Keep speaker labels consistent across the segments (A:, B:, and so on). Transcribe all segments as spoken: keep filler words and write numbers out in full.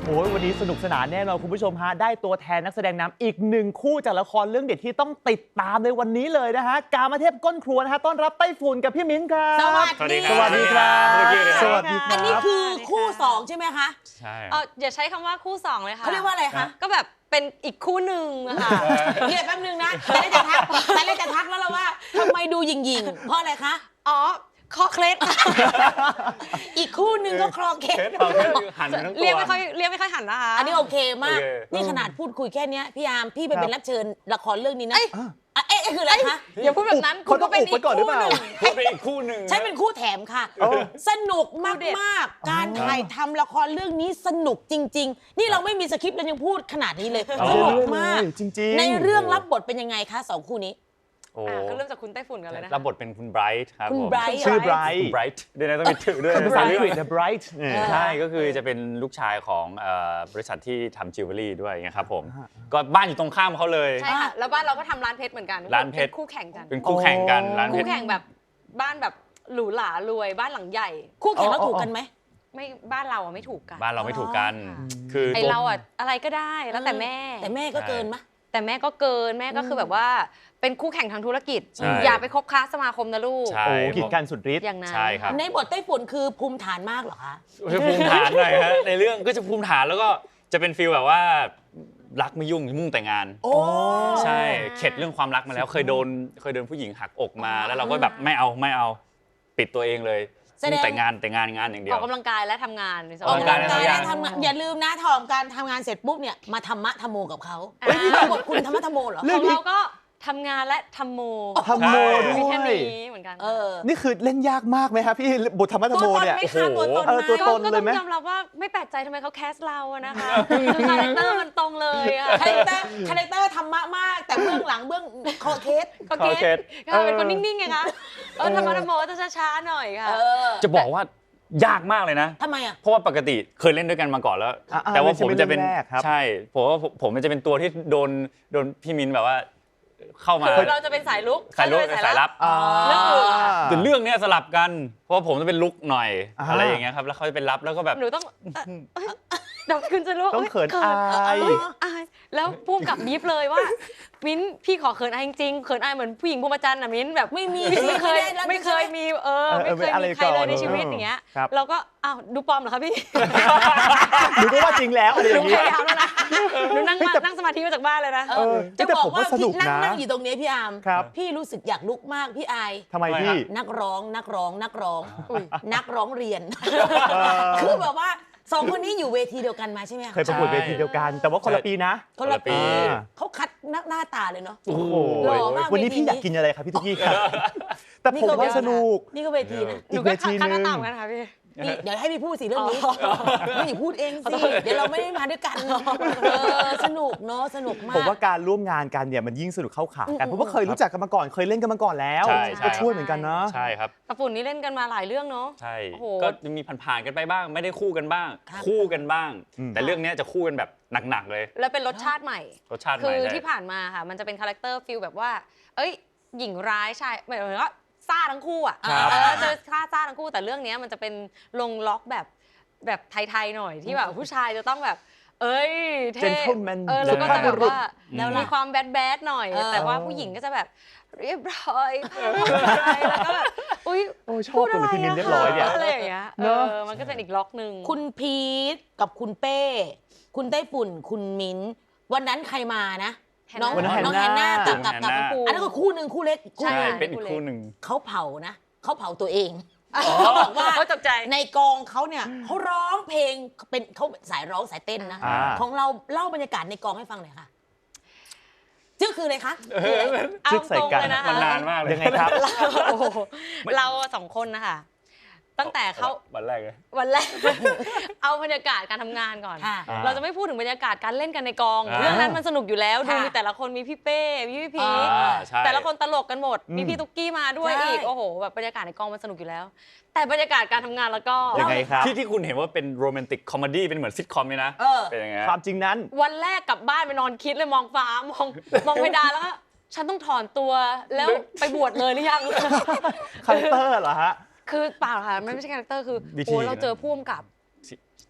A: โอ้ยวันนี้สนุกสนานแน่นอนคุณผู้ชมฮะได้ตัวแทนนักแสดงนำอีกหนึ่งคู่จากละครเรื่องเด็ดที่ต้องติดตามในวันนี้เลยนะฮะกามเทพก้นครัวนะฮะต้อนรับไต้ฝุ่นกับพี่มิ้นครับ
B: สวัสดี
A: สวัสดีครับ
B: สวัสดีครับอันนี้คือคู่สองใช่ไหมคะ
C: ใช่
D: เอออย่าใช้คำว่าคู่สองเลยค่ะ
B: เขาเรียกว่าอะไรคะ
D: ก็แบบเป็นอีกคู่หนึ่งอะค่ะ
B: เดี๋ยวแป๊บนึงนะแต่ได้จะทักแต่ได้จะทักแล้วเราว่าทำไมดูหยิ่งๆเพราะอะไรคะ
D: อ๋อคอเคล็ด
B: อีกคู่หนึ่งก็คลอเคส
C: เราแค่หันทั้งตัว
D: เรียกไม่ค่อยเรียกไม่ค่อยหันนะคะ
B: อันนี้โอเคมาก
C: โอเค
B: นี่ขนาดพูดคุยแค่เนี้ยพี่ยามพี่ไปเป็นรับเชิญละครเรื่องนี้นะ
D: เอ้ย
B: อ่ะเอ๊ะเอ๊ะคืออะไรคะ
D: อย่าพูดแบบนั้น
A: เขาต้องอุบไว้ก่อนหรือเปล่า
C: พูดไปอีกคู่หนึ่ง
B: ฉันเป็นคู่แถมค่ะ
A: โอ้
B: สนุกมากๆการถ่ายทำละครเรื่องนี้สนุกจริง ๆ นี่เราไม่มีสคริปต์เรายังพูดขนาดนี้เลย
A: เอา
B: สนุกมาก
A: จริงๆ
B: ในเรื่องรับบทเป็นยังไงคะสองคู่นี้
C: โอ้
D: อ่ะก็เริ่มจากคุณไต้ฝุ่นกันเลยนะ
C: รับบทเป็นคุณไบรท์ครับ
B: คุณ
C: ผม
B: Bright
A: ชื่อไบร
C: คุ
A: ท์
C: ณไบรท์เดี๋ยวนะต้องมีถือด้วย
A: ภาษาอังกฤษ
C: เ
A: นะ bright เนี่ย
C: ใช่ก็คือจะเป็นลูกชายของเอ่อบริษัทที่ทำจิวเวลรี่ด้วยนะครับผมก็บ้านอยู่ตรงข้ามเขาเลย
D: ใช่ค่ะแล้วบ้านเราก็ทำร้านเพชรเหมือนกัน
C: ร้านเพชร
D: ป็คู่แข่งกัน
C: เป็นคู่แข่งกัน
A: โอ้
C: ร้านเพ
D: คู่
C: ชร
D: แข่งแบบบ้านแบบหรูหรารวยบ้านหลังใหญ่
B: คู่แข่งแล้วถูกกันไหม
D: ไม่บ้านเราอะไม่ถูกกัน
C: บ้านเราไม่ถูกกัน
D: อ๋อ
C: คือ
D: ไอ
C: ตัว
D: เราอะอะไรก็ได้แล้วแต่แม่
B: แต่แม่ก็เกินมะ
D: แต่แม่ก็เกินแม่ก็คือแบบว่าเป็นคู่แข่งทางธุรกิจ
C: ใช่
D: อย่าไปคบค้าสมาคมนะลูก
C: ใช่
A: โอ้กีดกันสุดฤทธิ์
D: อย่างนั้น
C: ใช่ครับ
B: ในบทไต้ฝุ่นคือภูมิฐานมากเหรอคะ
C: จะภูมิฐานหน่อยฮะในเรื่องก็จะภูมิฐานแล้วก็จะเป็นฟีลแบบว่ารักไม่ยุ่งมุ่งแต่งาน
B: โอ้
C: ใช่เข็ดเรื่องความรักมาแล้วเคยโดนเคยโดนผู้หญิงหักอกมา แล้วเราก็แบบไม่เอาไม่เอาปิดตัวเองเลยมุ่งแต่งานแต่งานงานอย่างเดีย
D: อ
C: ว
D: อกกำลังกายและทำงานในส
B: ออก
D: ง
B: กำลัง
C: ออกกำลัง
B: กาย
C: กาย
B: และทำงานอย่าลืมนะทอมการทำงานเสร็จปุ๊บเนี่ยมาธรรมะธรรมโมกับเขาเฮ้ยพี่บทคุณธรรมะธรรมโมเหรอ
A: เรื่
D: ข
A: อ
D: อง งเราก็ทำงานและทำโม
A: ทำโมด้
D: มี
A: ว
D: แค่
A: ย
D: นี้เหมือนกัน
B: เออ
A: นี่คือเล่นยากมากไหมครับพี่บทธรรมะธรรมโมเนี่ย
B: ตัวตนไหมคะตัวตน
A: เออตัว
B: ไหม
A: ต
D: ก็
A: น
D: ก็
A: เล
D: ต้
A: ยไหม
D: องยอมรับว่าไม่แปลกใจทำไมเขาแคสเราอะนะคะคือคาแรคเตอร์มันตรงเลยอะ
B: คาแรคเตอร์คาแรคเตอร์ธรรมะมาก แต่เบื้องหลังเบื้องคอเคส
D: ก็
C: ขอ
D: เก
C: เค
D: ต
C: ส
D: ค่ะเป็นคนนิ่งๆไงคะเออธรรมะธรรมโมก็จะช้าๆหน่อยค่ะ
B: เออ
C: จะบอกว่ายากมากเลยนะ
B: ทำไมอ่ะ
C: เพราะว่าปกติเคยเล่นด้วยกันมาก่อนแล้ว
A: อ่าๆ
C: แต่ว่า
A: ไม่ใช่
C: ผมจะเป็น
A: เรื่องแรกครับ
C: ใช่ผมว่าผมผมมันจะเป็นตัวที่โดนโดนพี่มินแบบว่าเข้ามา
D: คือเราจะเป็นสายลุก
C: สายลุก
D: เขจะเป็น
C: สายลับ
A: อ่า
D: เรื่องอื่น
C: แต่เรื่องเนี้ยสลับกัน เพราะว่าผมจะเป็นลุกหน่อย
A: อ่า
C: อะไรอย่างเงี้ยครับแล้วเขาจะเป็นลับแล้วก็แบบ
D: หนูต้องเอ่อเอ้ยเดี๋ยวคุณจะรู้
A: ต้องเขินอาย
D: เอ้อายแล้วพุ่มกับบีฟเลยว่ามิ้นพี่ขอเขินอายจริงๆเขินอายเหมือนผู้หญิงพรหมจรรย์น่ะมิ้นแบบ
B: ไม่มี
D: ไม่เคย
B: ด้รับ
D: ไม่เคยมีเออ
A: เออ
D: ไม่เคย
A: อะไร
D: มีใคร
A: ก่
D: เล
A: อน
D: ยในชีวิต
A: เออ
D: อย่างเงี้ย
A: ครับ
D: เราก็อ้าวดูปลอมเหรอคะพี่
A: หนูก็ว่าจริงแล้วอะไรอ
D: หนู
A: ย่าง
D: พ
A: นี้
D: ยายามแล้วนะหนูนั่ง
A: เฮ้ย
D: มา
A: แต่
D: นั่งสมาธิมาจากบ้านเลยนะ
B: เอ
A: เอ
B: อ
A: อ
B: จะ
A: แต่
B: บอก
A: ผม
B: ว่า
A: ว่าสนุ
B: พี่
A: ก
B: นั่ง
A: นะ
B: นั่งอยู่ตรงนี้พี่อาร์ม
A: ครับ
B: พี่รู้สึกอยากลุกมากพี่อาย
A: ทำไมพี่
B: นักร้องนักร้องนักร้อง
D: อุ๊ย
B: นักร้องเรียน
A: อ
B: คือแบบว่าสองคนนี้อยู่เวทีเดียวกันมาใช่ไหมคะ
A: เคยประกวดเวทีเดียวกัน แต่ว่าคนละปีนะ
B: คนละปี
A: อ่า
B: เขาคัดหน้าหน้าตาเลยเนาะ
C: โอ้โห
B: หล่อมาก
A: วันนี้
B: เวที
A: พี่อยากกินอะไรครับพี่ตุ๊กกี้ครับ แต่ผมว่าสนุก
B: นี่ก็เวทีนะ
D: หนูก็คัดหน้าตามกันค่ะพี่
B: นี่เดี๋ยวให้พี่พูดสิเรื่องนี้
D: อ๋อ
B: ไม่อย่าพูดเองสิเดี๋ยวเราไม่ได้มาด้วยกันเออสนุกเนาะสนุกมาก
A: ผมว่าการร่วมงานกันเนี่ยมันยิ่งสนุกเข้าขากันเพราะว่าเคยรู้จักกันมาก่อนเคยเล่นกันมาก่อนแล้ว
C: ใช่ใช่
A: ก็ช่วยเหมือนกันนะ
C: ใช่ครับ
D: กระปุ่นนี่เล่นกันมาหลายเรื่องเนาะ
C: ใช่
D: โอ้โห
C: ก็จะมีผ่านๆกันไปบ้าง ไม่ได้คู่กันบ้าง
B: ครับ
C: คู่กันบ้าง
A: อืม
C: แต่เรื่องเนี้ยจะคู่กันแบบหนักๆเลย
D: แล้วเป็นรสชาติใหม่
C: รสชาติให
D: คื
C: ม่
D: อ
C: ใช่
D: ที่ผ่านมาค่ะ มันจะเป็นคาแรคเตอร์ฟิลแบบว่า เอ้ย หญิงร้ายชายหมายถึงว่าซ่าทั้งคู่อ่ะ
C: ครับ
D: เออเจอซ่าซ่าทั้งคู่ แต่เรื่องนี้มันจะเป็นลงล็อกแบบแบบไทยๆหน่อยที่แบบผู้ชายจะต้องแบบ เอ้ยเท่
A: Gentleman
D: เออแล้วก็จะแบบว่า
B: แล้ว
D: มี
B: ล่ะ
D: ความแบดแบดหน่อย
B: เออ
D: แต่ว่าผู้หญิงก็จะแบบเรียบร้อยแล้วก็แบบอุ้ย
A: โอ้ยชอบตรงที่มินเรียบร้อยเนี่ย
D: อะไรอย่างเงี้ยเอ
A: เนอะ
D: อมันก็จะเป็นอีกล็อกหนึ่ง
B: คุณพีทกับคุณเป้ คุณไต้ฝุ่น คุณมิ้นท์วันนั้นใครมานะ น้อง
A: วันนั้น
B: น้อง
A: แฮ
B: แฮ
A: น
B: น
A: นา
B: นากับกับกับ
C: แฮนนา
B: อันนั้นก็คู่หนึ่งคู่เล็กคู่
D: ใช่
C: ใช่
B: หนึ่ง
C: เป็นอีกคู่หนึ่ง
B: เขาเผานะเขาเผาตัวเอง
D: เขา
B: บอกว่า
D: เขาตกใจ
B: ในกองเขาเนี่ยเขาร้องเพลงเป็นเขาสายร้องสายเต้นนะ
A: อ่า
B: ของเราเล่าบรรยากาศในกองให้ฟังหน่อยค่ะชื่อคืออะไรคะ
D: เอา
A: จึ๊กใส่
D: ตรง
A: กัน
D: เลยนะคะ
C: มันนานมากเลย
A: ยังไงครับ
D: โอ้โหเราสองคนนะคะตั้งแต่เขา
C: วันแรกเลย
D: วันแรก เอาบรรยากาศการทำงานก่อน
B: ค่ะ
D: เราจะไม่พูดถึงบรรยากาศการเล่นกันในกอง
C: อ่า
D: เรื่องนั้นมันสนุกอยู่แล้วดู
B: ค่ะ
D: มีแต่ละคนมีพี่เป้มีพี่พีค
C: อ่าใช่
D: แต่ละคนตลกกันหมด
A: อืม
D: มีพี่ตุ๊กกี้มาด้วย
B: ใช่
D: อีกโอ้โหแบบบรรยากาศในกองมันสนุกอยู่แล้ว แต่บรรยากาศการทำงานแล้วก็
A: ยังไงครับ
C: ที่ที่คุณเห็นว่าเป็นโรแมนติกคอมเมดี้เป็นเหมือนซิทคอมเลยนะ
B: เออ
C: เป็นยังไง
A: ความจริงนั้น
D: วันแรกกลับบ้านไปนอนคิดเลยมองฟ้ามองมองเพดานแล้วก็ฉันต้องถอนตัวแล้วไปบวชเลยหรือยัง
A: คาแรคเตอร์เหรอฮะ
D: คือเปล่าค่ะไม่ใช่คาแรคเตอร์คือ
A: ดีที
D: โอ้เรา
A: นะ
D: เจอพ่วงกับ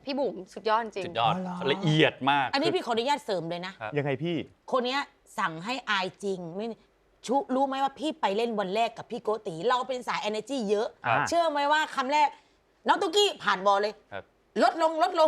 D: พี่บุ๋มสุดยอดจริง
C: สุดยอด
A: อ๋อเหรอ
C: ละเอียดมาก
B: อันนี้พี่ขออนุญาตเสริมเลยนะ
C: ครับ
A: ยังไงพี่
B: คนเนี้ยสั่งให้อายจริงไม่ชุรู้ไหมว่าพี่ไปเล่นวันแรกกับพี่โกติ เราเป็นสาย energy เยอะ
C: ครับ
B: เชื่อไหมว่าคำแรก น้องตุ๊กกี้ผ่านบอลเลย
C: ครับ
B: ลดลงลดลง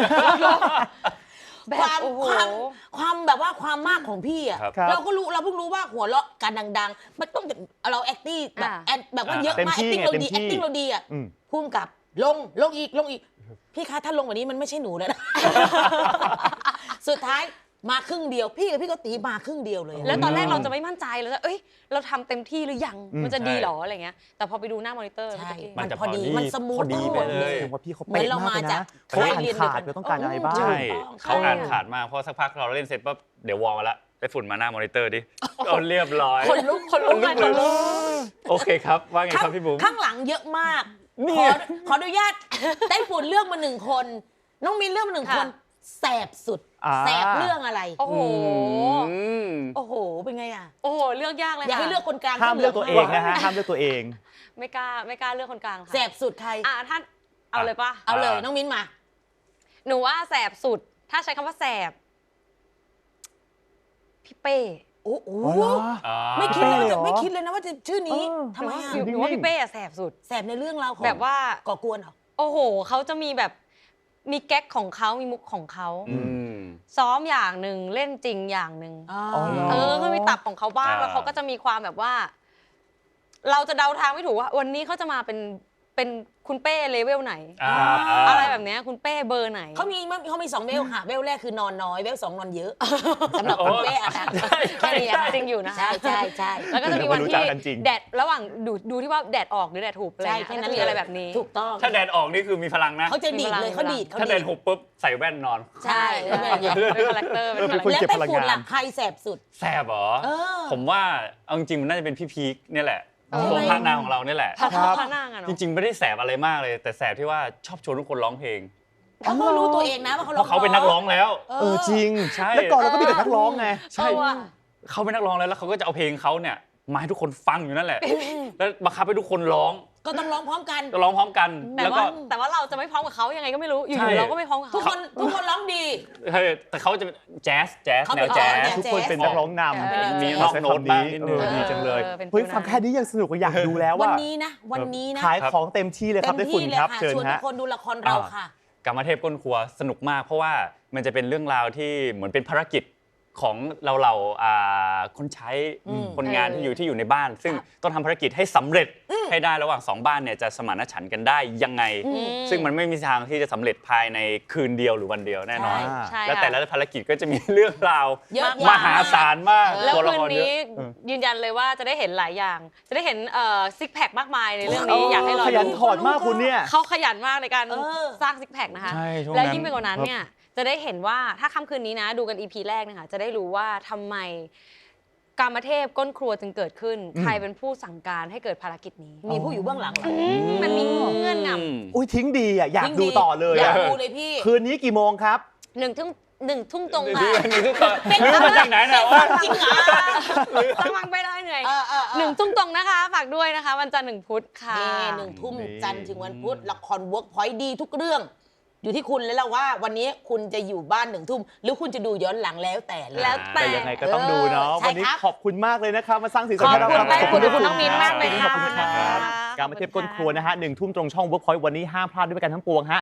D: แบบ
B: ความ
D: โอ้โห
B: ความความแบบว่าความมากของพี่อ่ะ
C: ครับ
A: ครับ
B: เราก็รู้เราเพิ่งรู้ว่าหัวเราะการดังๆ มันต้องเรา acting แบบ
D: อ่า
B: แอดแบบว่าเยอะ
A: เต็ม
B: มาก
A: ที่
B: acting
A: ไง
B: เรา
A: เต็ม
B: ดี
A: ที่
B: acting เราดีอ่ะ
A: อืม
B: พุ่มกับลงลงอีกลงอีก พี่คะถ้าลงกว่านี้มันไม่ใช่หนูแล้วนะ สุดท้ายมาครึ่งเดียว พี่กับพี่โกติมาครึ่งเดียวเลย
D: แล้วตอนแรกเราจะไม่มั่นใจเราจะเอ้ย เราทำเต็มที่หรือยัง
A: อืม
D: มันจะดี
C: ใช่
D: เหรออะไรเงี้ย แต่พอไปดูหน้ามอนิเตอร์
B: ใช่
D: เมื่อกี้
C: มั
B: มัน น
C: จะ
B: พอดี
C: พอดี
B: มันสมูท
C: พอดีไปเลย
A: แสดงว่าพี่เขา
B: เหมือ
A: เป๊ะ
B: นเรา
A: มาก
B: มา
A: เลย
B: จาก
A: นะเขาอ่าน
B: เรียน
A: ขาด
B: เดียวกัน
A: ว่าต้องการอะไรบ้าง
C: ใช่
B: ถูกต้อง
C: เขาอ่าน
B: ใช่
C: ขาดมากเพราะสักพักเราเล่นเสร็จปั๊บเดี๋ยววอลมาละไปฝุ่นมาหน้ามอนิเตอร์ดิเอาเรียบร้อย
B: คนลุกคนลุก
C: คนลุกเลยโอเคครับ ว่าไงครับพี่บุ๋ม
B: ข้างหลังเยอะมาก
C: เนี่
B: ขอย ขออนุญาต ได้ฝุ่นเลือกมาหนึ่งคน น้องมินเลือกมาหนึ่งคน แสบสุด
A: อ่า
B: แสบเรื่องอะไร
D: โอ้โห
C: อืม
B: โอ้โห เป็นไงอ่ะ
D: โอ้โห เลือกยากเลย
B: อยาก
D: ค่ะ
B: ให้เลือกคนกลาง
A: ห้ามเลือกตัวเองนะฮะห้ามเลือกตัวเอง
D: ไม่กล้าไม่กล้าเลือกคนกลางค่ะ
B: แสบสุดใคร
D: อ่ะท่านเอาเลยปะ
B: เอาเลย
C: อ่า
B: น้องมิ้นมา
D: หนูว่าแสบสุด ถ้าใช้คำว่าแสบ พี่เป้
B: โอ้โห
A: อ๋อเหรอ
C: อ่า
B: ไม่คิดเลยว่า
A: เป้เหร
B: จะ
A: อ
B: ไม่คิดเลยนะว่าจะชื่อนี้
A: เออ
B: ทำไมอ่ะ
D: หนูหนูว่าพี่เป้อะแสบสุด
B: แสบในเรื่องราวของ
D: แบบว่า
B: ก่อกวนเหรอ
D: โอ้โห เขาจะมีแบบ มีแก๊กของเขามีมุกของเขา
C: อืม
D: ซ้อมอย่างหนึ่งเล่นจริงอย่างหนึ่ง
B: อ๋อ
A: อ๋อเหร
D: เออเขามีตับของเขาบ้าง
C: อ่า
D: แล้วเขาก็จะมีความแบบว่า เราจะเดาทางไม่ถูกว่า วันนี้เขาจะมาเป็นเป็นคุณเป้เลเวลไหน
C: อ่า
D: อะไรแบบเนี้ยคุณเป้เบอร์ไหน
B: เขามีเขามีสองเวลค่ะ เวลแรกคือนอนน้อย เวลสองนอนเยอะสำหรับคุณเป้อะค่ะ
D: แค่นี้จริงอยู่นะคะ
B: ใช่ใช่ใช่
D: แล้วก็จะมีวัน
A: รู้
D: ที่
A: จักกันจริง
D: แดดระหว่างดูดูที่ว่าแดดออกหรือแดดหุบอะไร
B: ใช่
D: เงี้ย
B: แค่
D: ก็
B: นั้น
D: จะมีอะไรแบบนี้
B: ถูกต้อง
C: ถ้าแดดออกนี่คือมีพลังนะ
B: เขาจะดีดเลย
D: มีพลัง
B: เขาดีดเขา
C: ถ้าแด
B: ดี
C: ด
B: ด
C: หุบปุ๊บใส่แว่นนอน
B: ใช่แล้วเป็นอย่างเงี้ย
D: เป็นคาแรคเตอร์เป็น
A: เออเป็น
D: คาแรค
A: คน
D: เตอร์
B: แล้ว
A: เก็บ
B: ไต้
A: พลัง
B: ฝุ่น
A: งาน
B: ล่ะใครแสบสุด
C: แสบเหรอ
B: เออ
C: ผมว่าเอาจริงๆมันน่าจะเป็นพี่พีคเนี่ยแหละ
B: อ๋อ
C: โชว์พระนางของเราเนี่ยแหละ
D: พระ
A: ครับ
D: พระนางอะ
C: จ
D: เนาะ
C: ริงๆไม่ได้แสบอะไรมากเลย แต่แสบที่ว่าชอบชวนทุกคนร้องเพลง
B: เขาก็รู้ตัวเองนะว่าเขา
C: เพราะเขาเป็นนักร้องแล้ว
B: เอ
A: เออจริง
C: ใช่
A: แล้วก่อนเราก็มีแต่นักร้องไง
C: ใช่
D: เออว่ะ
C: เขาเป็นนักร้องแล้วแล้วเขาก็จะเอาเพลงเขาเนี่ยมาให้ทุกคนฟังอยู่นั่นแหละ แล้วบังคับให้ทุกคนร้อง
B: ก็ต้องร้องพร้อมกัน
C: ก็ร้องพร้อมกัน
D: แต่
C: แล้ว
D: ว่า
C: ก็
D: แต่ว่าเราจะไม่พร้อมกับเขายังไงก็ไม่รู้อยู่
C: ใช่
D: ๆเราก็ไม่พร้อมกับ
B: ทุก
D: เขา
B: คนทุกคนร้องดี
C: เฮ้ยแต่เขาจะแจ๊สแจ๊ส
B: เขา
C: แน
B: เป็น
C: วแจ๊
B: อ๋อแน
C: ส
B: ว
A: ทุกคนเป็นนักร้องนำ
D: เออ
C: มีนอกโน้ตบ้างนิดนึง
A: เออดีจังเลย
D: เออเป็น
A: เฮ้ย
D: ฟิลนั้น
A: ฟังแค่นี้ยังสนุกก็อยากดูแล้ว
B: วัน
A: ว่า
B: นี้นะ วันนี้นะ
A: ขายของเต็มที่เลยครับได้ฝุ่น
B: เลย
A: ครับ
B: ค่ะ
A: เชิญ
B: ชวนทุ
A: ฮะ
B: กคนดูละครเราค่ะ
C: กรรมเทพก้นครัวสนุกมาก เพราะว่ามันจะเป็นเรื่องราวที่เหมือนเป็นภารกิจของเราเราอ่าคนใช้
B: อืม
C: คนงาน
D: เออ
C: ที่อยู่ที่อยู่ในบ้าน ซึ่ง
B: ครับ
C: ต้องทำภารกิจให้สำเร็จให้ได้ระหว่างสองบ้านเนี่ยจะสมานฉันท์กันได้ยังไง
D: อืม
C: ซึ่งมันไม่มีทางที่จะสำเร็จภายในคืนเดียวหรือวันเดียวแน่นอน
B: ใช่
D: ใช่
C: และ
D: ค่ะ
C: แต่ละภารกิจก็จะมีเรื่องราว
B: เยอะ
C: ม
B: แยะ
C: หาศาลมาก
D: แล้ว
C: ตัวละ
D: คืน
C: ครเย
D: นี้
C: อะ
D: ยืนยันเลยว่าจะได้เห็นหลายอย่าง จะได้เห็นเอ่อซิกแพคมากมายในเรื่องนี้อยากให้เรา
A: ขยัน
D: ดู
A: ถอดมากคุณเนี่ย
D: เขาขยันมากในการ
B: เออ
D: สร้างซิกแพคนะคะ
C: ใช่ช่วง
D: และ
C: นั้น
D: ยิ่งไปกว่านั้นเนี่ยจะได้เห็นว่าถ้าค่ำคืนนี้นะ ดูกัน อี พี แรกนะคะจะได้รู้ว่าทำไมกามเทพก้นครัวจึงเกิดขึ้น
A: อืม
D: ใครเป็นผู้สั่งการให้เกิดภารกิจนี้
B: มีผู้อยู่เบื้องหลังเหรอ
D: มมันมีเงื่อนง
A: อุ้ยทิ้งดีอ่ะอยาก
B: ยิ่ง
A: ดูต่อเลย
B: อยา
A: อะ
B: กดูเลยพี่
A: คืนนี้กี่โมงครับ
D: ำหนึ่งทุ่มหนึ่งทุ่มตรง
C: ดู
D: ค่ะ
C: ดูทุกคนรู้มาจากไหนเนี่ยว่า
B: จริงเหรอ
D: สมัครไปเลยเหนื่อย
B: เออเออเออ
D: หนึ่งทุ่มตรงนะคะฝากด้วยนะคะ วันจันทร์หนึ่งพุธค่ะ
B: นี่หนึ่งทุ่ม
A: นี่
B: จันทร์ถึงวันพุธละครเวิร์กพอยต์ดีทุกเรื่อง อยู่ที่คุณแล้วล่ะว่าวันนี้คุณจะอยู่บ้านหนึ่งทุ่มหรือคุณจะดูย้อนหลังแล้วแต่เลย
D: แล้วแต่
A: แต่ยังไงก็ต้องดูเนาะ
B: ใช่
A: วันนี้
B: ครับ
A: ขอบคุณมากเลยนะครับ มาสร้างสี
D: ข
A: สัน
D: อบ
A: ให้เรา
D: คุณ
A: ครับ
D: แป้ง
A: ขอบ
D: คุณ
A: ทุก
D: คุณน้องมิ้นมากเลย
A: ขอบคุณค
D: ค่ะ
A: รับการมาเทียบก้นครัวนะฮะหนึ่งทุ่มตรงช่อง Workpoint วันนี้ห้ามพลาดด้วยกันทั้งปวงฮะ